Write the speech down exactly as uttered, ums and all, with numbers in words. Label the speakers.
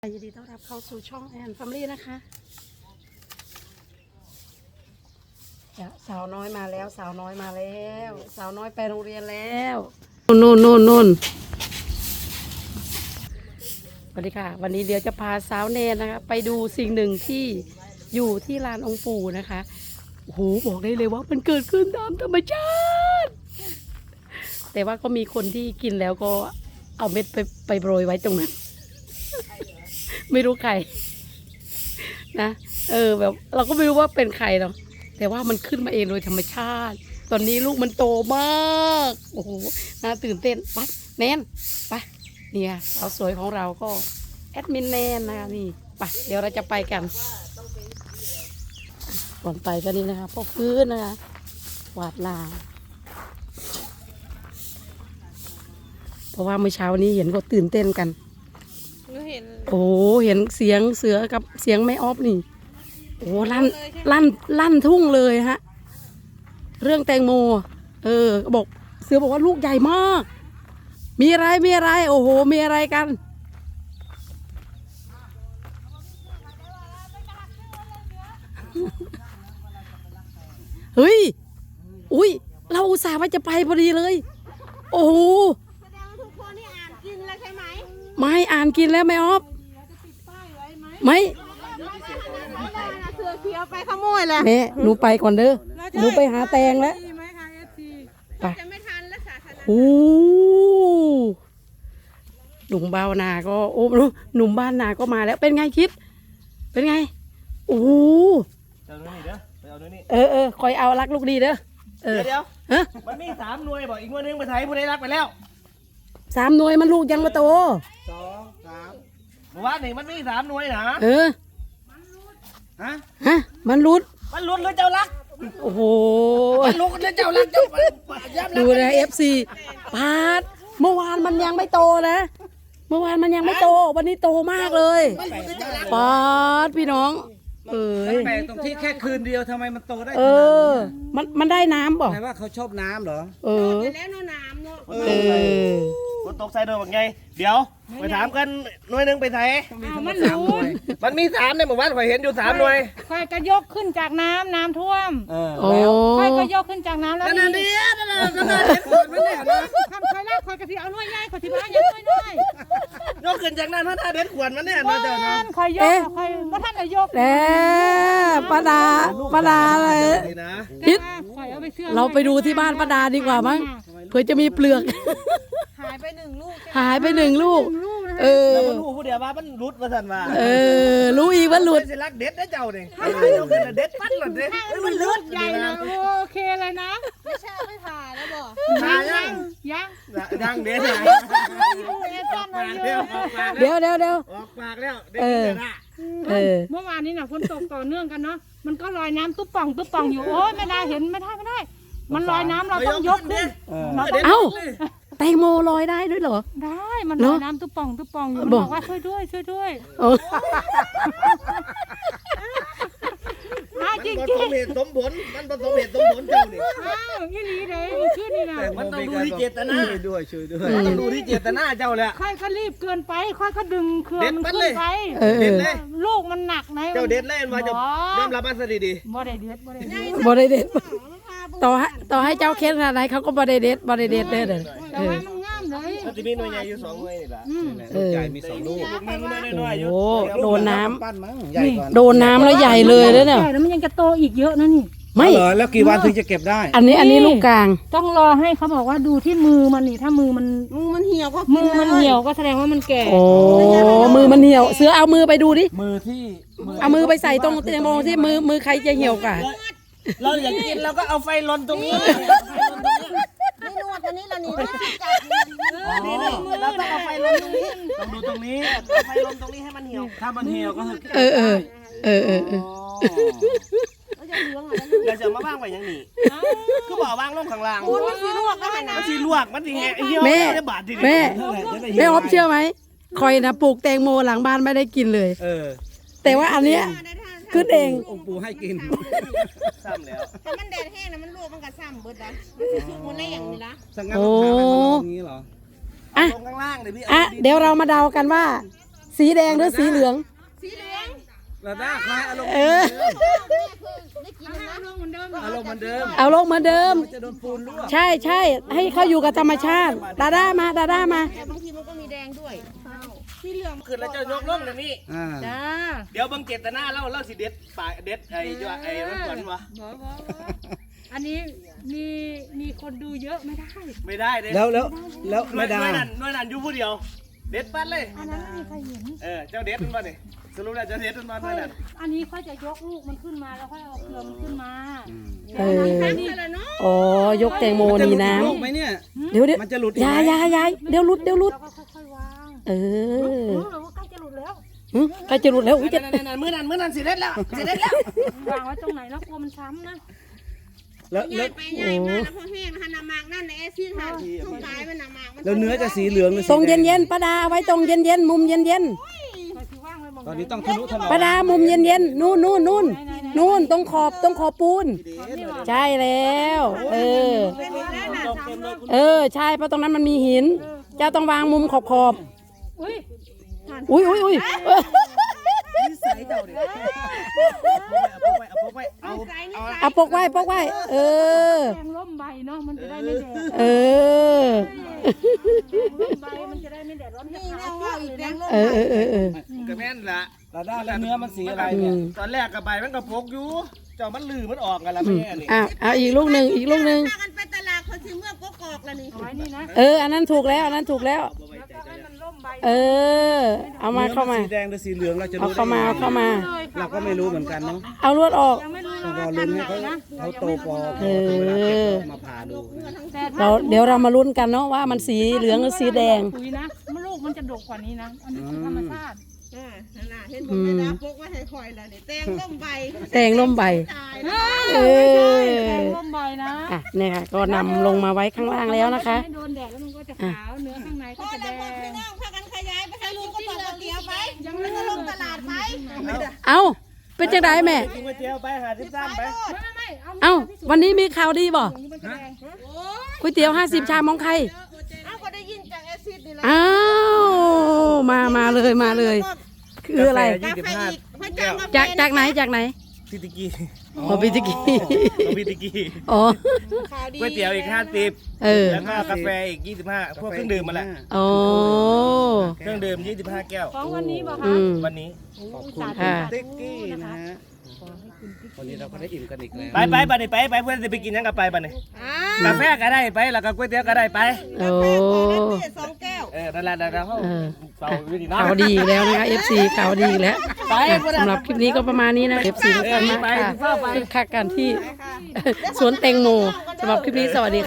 Speaker 1: ยินดีต้อนรับเข้าสู่ช่องแอนแฟมิลี่นะคะจะสาวน้อยมาแล้วสาวน้อยมาแล้วสาวน้อยไปโรงเรียนแล้วนู่นนู่นนู่นสวัสดีค่ะวันนี้เดี๋ยวจะพาสาวเนนนะคะไปดูสิ่งหนึ่งที่อยู่ที่ลานองค์ปู่นะคะโอ้โหบอกได้เลยว่ามันเกิดขึ้นตามธรรมชาติแต่ว่าก็มีคนที่กินแล้วก็เอาเม็ดไปไปโรยไว้ตรงนั้นไม่รู้ใครนะเออแบบเราก็ไม่รู้ว่าเป็นใครเนาะแต่ว่ามันขึ้นมาเองโดยธรรมชาติตอนนี้ลูกมันโตมากโอ้โหน่าตื่นเต้นไปแนนไปเนี่ยสาวสวยของเราก็แอดมินแนนนะคะนี่ไปเดี๋ยวเราจะไปกันก่อนไปก็นี่นะคะพ่อฟื้นนะคะหวาดลานเพราะว่าเมื่อเช้านี้เห็นก็ตื่นเต้นกันโอ้เห็นเสียงเสือกับเสียงแม่ออฟนี่โอ้ลั่นลั่นลั่นทุ่งเลยฮะเรื่องแตงโมเออบอกเสือบอกว่าลูกใหญ่มากมีอะไรมีอะไรโอ้โหมีอะไรกันเฮ้ยอุ้ยเราอุตส่าห์ว่าจะไปพอดีเลยโอ้โห
Speaker 2: แสดงว่าทุกคนนี่อ่านกินแล้วใช่ไหม
Speaker 1: ไม่อ่านกินแล้วแม่ออฟไม่
Speaker 2: เสือเขียวไปขโมยแหละ
Speaker 1: แม่หนูไปก่อนเด้อหนูไปหาแตงแล้วไป
Speaker 2: จะไม่ทันแล้วสาธารณะ
Speaker 1: โอ้หนุ่มบ้านนาก็โอ้หนุ่มบ้านนาก็มาแล้วเป็นไงคิดเป็นไงโอ้
Speaker 3: เอาเนื้อนี่เด้อไปเอาเนื้อนี่
Speaker 1: เออเออคอยเอารักลูกดีเด้อเออ
Speaker 3: เดี๋ยว
Speaker 1: ฮะ
Speaker 3: มันมีสามหน่วยบอกอีกหน่วยนึงไปไทยผู้ใดรักไปแล้ว
Speaker 1: สามหน่วยมันลูกยังมาโต
Speaker 3: สองสามเมื่อวานนี่มันมีสามหน่วยนะ
Speaker 1: เออ
Speaker 3: ฮะ
Speaker 1: ฮะมันรุด
Speaker 3: มันลุ้นหรือเจ้ารัก
Speaker 1: โอ้โห
Speaker 3: มันลุ้นหรือเจ้ารักเจ้า
Speaker 1: ดูนะเอฟซีปาดเมื่อวานมันยังไม่โตนะเมื่อวานมันยังไม่โตวันนี้โตมากเลยปาดพี่น้องเออ
Speaker 3: แปลกตรงที่แค่คืนเดียวทำไมมันโตได้
Speaker 1: เออมันมันได้น้ำป่ะ
Speaker 3: แปลว่าเขาชอบน้ำเหรอ
Speaker 1: เออ
Speaker 2: แล้วน้ำน้ำเนาะ
Speaker 1: เออ
Speaker 3: ฝนตกใส่โดนแบบไงเดี๋ยวไปถามกันหน่วยนึงไปไทย
Speaker 2: มันรู้
Speaker 3: มันมีสามในหมู่บ้านข่อยเห็นอยู่สามหน่วย
Speaker 2: ค่อยก็ยกขึ้นจากน้ำน้ำท่วม
Speaker 1: โอ้
Speaker 2: ค่อยก็ยกขึ้นจากน้ำแล้ว
Speaker 3: นั่นนี่นั่นนั่นนั่นนั่นเห็นขวดมันเนี่ยนะ
Speaker 2: ทำค่อยแรกค่อยกระที่เอาหน่วยใหญ่ค่อยที่บ้านยังหน่วยน้อย
Speaker 3: ยกขึ้นจากนั้นถ้าเด็ดขวดมันเนี่ยนะเจ้านะ
Speaker 2: ค่อยยกค่อยว่าท่านจะยก
Speaker 1: แล้วป้าดาป้าดาเลยคิดเราไปดูที่บ้านป้าดาดีกว่ามั้งเพื่อจะมีเปลือก
Speaker 2: หายไปหนึ่งลูก
Speaker 1: หายไปหนึ่งลูกเออ
Speaker 3: แล้วมันรู้ผู้เดียวว่ามันรุดมาสั่นว่า
Speaker 1: เออรู้อีกว่าหลุด
Speaker 3: สิรักเด็ดนะเจ้าเนี่ยเจ้าขึ้นเด็ดปั้นหลุดเลย
Speaker 2: มันลุดใหญ่เลยโอเคเลยนะไม่ใช่ไม่ผ่าแล้วบอก
Speaker 3: ผ่ายัง
Speaker 2: ยัง
Speaker 3: ยังเด็ด
Speaker 1: เดี๋ยวเดี๋ยวเดี๋ยว
Speaker 3: ออกปากแล้วเด็ด
Speaker 1: เออ
Speaker 2: เมื่อวานนี้น่ะฝนตกต่อเนื่องกันเนาะมันก็ลอยน้ำตุ๊บป่องตุ๊บป่องอยู่โอ้ยไม่ได้เห็นไม่ได้ไม่ได้มันลอยน้ำเราต้องยกขึ้น
Speaker 1: เอ้าแตงโมลอยได้ด้วยเหรอ
Speaker 2: ได้มันลอยน้ำตุ๊บป่องตุ๊บป่องอยู่บอกว่าช่วยด้วยช่วยด้วยจริงจริง
Speaker 3: มันผสมเหตุสมผลมันผสมเหตุสมผลเจ้านี่
Speaker 2: อ้าวยี่นี้เลยชื่อนี่นะ
Speaker 3: มันต้องดูที่เจตนาช่วยด้วยช่วยด้วยมันต้องดูที่เจตนาเจ้าแหละ
Speaker 2: ค่อยก็รีบเกินไปค่อยก็ดึงเครือมันขึ้นไป
Speaker 3: เด็ดเลย
Speaker 2: ลูกมันหนักนะ
Speaker 3: เจ้าเด็ดเลยมาจะยอมรับมันซะดี
Speaker 2: ๆบ่ได้เด็ดบ่ได้เด็ด
Speaker 1: บ่ได้เด็ดต่อให้ต่อให้เจ้าเค้นอะไรเขาก็บ่ได้เด็ดบ่ได้เด็ดเด้อเด้อ
Speaker 2: แต่ว่ามันงามเลย
Speaker 3: มันจะมีหน่วยใหญ่อยู่สองหน่วยนี่แหละ
Speaker 1: ลูก
Speaker 3: ใหญ่มีสองลูก
Speaker 1: โอ้โดนน้ำโดนน้ำแล้วใหญ่เลยแล้วเนี่ย
Speaker 2: แล้วมันยังจะโตอีกเยอะนะนี่
Speaker 1: ไม่
Speaker 3: เหรอแล้วกี่วันถึงจะเก็บได้
Speaker 1: อันนี้อันนี้ลูกกลาง
Speaker 2: ต้องรอให้เขาบอกว่าดูที่มือมันนี่ถ้ามือมันมือมันเหี่ยวก็มือมันเหี่ยวก็แสดงว่ามันแก่
Speaker 1: โอ้มือมันเหี่ยวเสือเอามือไปดูดิ
Speaker 3: มือที่
Speaker 1: เอามือไปใส่ตรงแตงโมที่มือมือใครจะเหี่ยวกว่า
Speaker 3: เราอยากกินเราก็เอาไฟลนตรงนี้
Speaker 2: นี่นวดอันนี้ละนี่จับ
Speaker 3: นี่เราต้องเอาไฟลนตรงนี้ต้องดูตรงนี้เอาไฟลนตรงนี้ให้มันเหี่ยวถ้ามันเหี่ยวก็
Speaker 1: เออเออเออเออเออ
Speaker 3: เราจะมาบ้างไปยังนี่คือบอกบ้างลงข้างล่าง
Speaker 2: มันสีลวกก็ให้นะ
Speaker 3: มันสีลวกมันสีแห้งเหี่ยว
Speaker 1: แม่แม่แม่ออฟเชื่อไหมคอยนะปลูกแตงโมหลังบ้านไม่ได้กินเลย
Speaker 3: เออ
Speaker 1: แต่ว่าอันเนี้ยขึ้นเอง
Speaker 3: องค์ปู่ให้กินซ้ำแล้ว
Speaker 2: แต่มันแดดแห้งนะมันลวกมันก็ซ้ำเบิดนะมันจะสุกมันได้อย่างนี้ละ
Speaker 3: โอ้อย่างนี้เหรออ่ะ
Speaker 1: อ่ะเดี๋ยวเรามาเดากันว่าสีแดงหรือสีเหลือง
Speaker 2: สีเหลือง
Speaker 3: แล้วได้คลายอารมณ์
Speaker 1: เออ
Speaker 2: เอาลงเหมือนเดิม
Speaker 3: อารมณ์เหมือนเดิม
Speaker 1: เอาลงเหมาเดิม
Speaker 3: จะโดนปูนลวก
Speaker 1: ใช่ใช่ให้เขาอยู่กับธรรมชาติดาด้ามาดาด้ามา
Speaker 2: บางทีมันก็มีแดงด้วย
Speaker 3: ขึ้นแล้วจะยกลงเดี๋ยวนี้
Speaker 4: อ่า
Speaker 2: จ้า
Speaker 3: เดี๋ยวเบังเจตนาเล่าเล่าสิเด็ดปลายเด็ดไอ้จ้าไอ้รถก่อนวะ
Speaker 2: อันนี้มีมีคนดูเยอะไม่ได้
Speaker 3: ไม่ได้เลย
Speaker 4: แล้วแล้วแล้ว
Speaker 3: หน่ว
Speaker 4: ไม่
Speaker 3: ย
Speaker 4: ได้
Speaker 3: หน่วยนั้นหน่วยนั้นอยู่ผู้เดียว เด็ดปัดเลย
Speaker 2: อันนั้นไม่มีใครเห็น
Speaker 3: เออเจ้าเด็ดมันมาดิสรุปแล้วเจ้าเด็ดมันมา
Speaker 2: ค่
Speaker 3: เท่า
Speaker 2: อย
Speaker 3: นั้น
Speaker 2: อันนี้ค่อยจะยกลูกมันขึ้นมาแล้วค่อยเอาเครือมันขึ้นมา
Speaker 1: เออ
Speaker 2: นี่
Speaker 1: อ๋อยกแตงโม
Speaker 4: มันจะ
Speaker 1: นี
Speaker 4: หลุด
Speaker 1: น้
Speaker 4: ลูกไหมเนี่ย
Speaker 1: ำเดี๋ยวเดี๋ยว
Speaker 4: มันจะหลุด
Speaker 1: ยายยายยายเดี๋ยวหลุดเดี๋ยวหลุด
Speaker 2: แล้วก็ค่อยๆวาง
Speaker 1: เออ
Speaker 2: รู้เลยว่าใกล้จะหลุดแล้ว
Speaker 1: หึใกล้จะหลุดแล้วอุ้ยจะ
Speaker 3: นั่นนั่นนั่นมื้อนั้นมื้อนั้นสิเด็ดแล้วสิเด็ดแล้ว
Speaker 2: วางไว้ตรงไหนแล้วกลัวมันช้ำนะ
Speaker 4: แล้วแล้ว
Speaker 5: ไปใหญ่มาแล้วพอแห้งหันน้ำมากนั่นในแอซิดหันทุกกายมันน้ำมากมัน
Speaker 4: แล้วเนื้อจะสีเหลืองหรือสี
Speaker 1: ตรง
Speaker 4: แด
Speaker 1: เย็นเย็นๆป้าดาเอาไว้ตรงเย็นเย็นๆมุมเย็นเย็น
Speaker 2: ค่อยที่ว่างไว้มอง
Speaker 4: ตอนนี้ต้องทะนุถนอม
Speaker 1: ๆป้าดามุมเย็นเย็นๆนู่นนู่นนู่นนู่นตรงขอบตรงขอบปูน ใช่แล้ว เออ เออใช่เพราะตรงนั้นมันมีหิน เจ้าต้องวางมุมขอบขอบ
Speaker 2: อุ้ย
Speaker 1: อุ้ยอุ้ยอุ้ยเออ
Speaker 3: นิสัยเจ้าดิเอาไปเอาไปเอาไปเอา
Speaker 1: เอาปกไว้ปกไว้ เออ
Speaker 2: แดงร่มใบเนาะมันจะได้ไม่แดด
Speaker 1: เออ
Speaker 2: ร่มใบมันจะได้ไม่แดดร้อนจะขาวมากเลยนะ
Speaker 1: เออเออเออเออ
Speaker 3: ก็แม่นละ
Speaker 4: แล้วด้านแล้วเนื้อมันสีอะไร
Speaker 1: อื
Speaker 4: เนี่ย
Speaker 1: ม
Speaker 3: ตอนแรกกับใบมันก็พกอยู่ เจ้ามันลือมันออกกันแล้วแม่นี่
Speaker 1: อ่ะเอาอีกลูกหนึ่งอีกลูกหนึ่ง
Speaker 5: พากันไปตลาดคนซื้อเมื่อกกอกแล้วนี่
Speaker 2: เอาไว้นี่นะ
Speaker 1: เออ อันนั้นถูกแล้วอันนั้นถูกแล้ว
Speaker 2: แล้วก็ให้มันร่มใบ
Speaker 1: เออ เอามาเข้ามา
Speaker 4: สีแดงหรือสีเหลืองเราจะ
Speaker 1: เอา
Speaker 4: รู้ได้
Speaker 1: เข้ามาเอาเข้ามา
Speaker 2: เลยค่ะ
Speaker 4: เราก็ไม่รู้เหมือนกันเนาะ
Speaker 1: เอาลวดออก
Speaker 2: ยังไม่รู้
Speaker 4: ต้องร
Speaker 2: ว่า
Speaker 4: อ
Speaker 2: พั
Speaker 4: ลุ้
Speaker 2: น
Speaker 4: น
Speaker 2: ธุ์ไหน
Speaker 4: ให้เขา
Speaker 2: นะ
Speaker 4: เขาโตพอ
Speaker 1: เออ
Speaker 4: ถึงเวลาเก็บออกมาผ่าดู
Speaker 2: แต่ถ้า
Speaker 1: เราเดี๋ยวเรามาลุ้นกันเนาะว่ามันสีเหลืองหรือสีแดง
Speaker 2: ปุ๋ยนะมันลูกมันจะดกกว่านี้นะ อันนี้คือธรรมชาติ
Speaker 5: อ่านั่นน่ะเห็นผมเลยนะปกไว้ให้คอยแล้วนี่แตงร่มใบ
Speaker 1: แตงร่มใบ
Speaker 5: ตาย
Speaker 1: เออ
Speaker 2: แดงร่มใบนะ
Speaker 1: อ่ะเนี่ยค่ะก็นำลงมาไว้ข้างล่างแล้วนะคะ
Speaker 2: ให้โดนแดดแล้วมันก็จะขาว เนื้อข้างใน
Speaker 5: พ
Speaker 2: ก็
Speaker 5: อ
Speaker 2: จะแด
Speaker 5: แล้วพอพี่
Speaker 2: ง
Speaker 5: น้องพากันขยายไปให้ลุงก็ต่อก๋วยเตี๋ยวไปยังไม่ได้ลงตลาดไป
Speaker 1: เอาเป็นจังไดแม่
Speaker 3: กินก๋วยเตี๋ยวไปหาทิพย์ซ้ำไป
Speaker 2: ไม่ไม่ไม่เอา
Speaker 1: เอ้าวันนี้มีข่าวดีบ่
Speaker 2: มันจะแดง
Speaker 1: ก๋วยเตี๋ยวห้าสิบชามของใคร
Speaker 5: เอาก็ได้ยินจากแอซิดนี่แหละ
Speaker 1: อ้าวมามาเลยมาเลย คืออะไร
Speaker 5: กาแฟอีกพระเจ้ามา
Speaker 1: จากจากไหนจากไหน
Speaker 3: พิติกี
Speaker 1: อ๋อพิจิกี
Speaker 3: เอาพิติกี
Speaker 1: อ๋อ
Speaker 5: ข่าวดี
Speaker 3: ก๋วยเตี๋ยวอีกห้าสิบ
Speaker 1: เออ
Speaker 3: แล้วก็กาแฟอีกยี่สิบห้าพวกเครื่องดื่มมาแหละ
Speaker 1: อ๋อ
Speaker 3: เครื่องดื่มยี่สิบห้าแก้ว
Speaker 2: ของวันนี้บอก
Speaker 1: อื
Speaker 2: คะ
Speaker 1: ม
Speaker 3: วันนี้
Speaker 4: ขอบคุณ
Speaker 1: ค่ะ
Speaker 4: คุณติ๊กกี้นะฮะวันนี้เราก็ได้อิ่มกันอีกแล้ว
Speaker 3: ไปไปบัดนี้ไปไปเพื่อนจะไปกินยังกับไปบัดนี้
Speaker 5: อ่าก
Speaker 3: าแฟก็ได้ไปแล้วก็ก๋วยเตี๋ยวก็ได้ไป
Speaker 1: โอ้
Speaker 5: สองแก้ว
Speaker 3: เออนั่นแหละนั่นแหละเขา
Speaker 1: เออ
Speaker 3: เป่าวิธีน้
Speaker 1: ข่าวดีอีกแล้วนะคะ เอฟ ซี ข่าวดีอีกแล้ว
Speaker 3: ไป
Speaker 1: สำหรับคลิปนี้ก็ประมาณนี้นะ เอฟ ซี ทุกท่านมากค่ะคึกคักกันที่สวนแตงโมสำหรับคลิปนี้สวัสดีค่ะ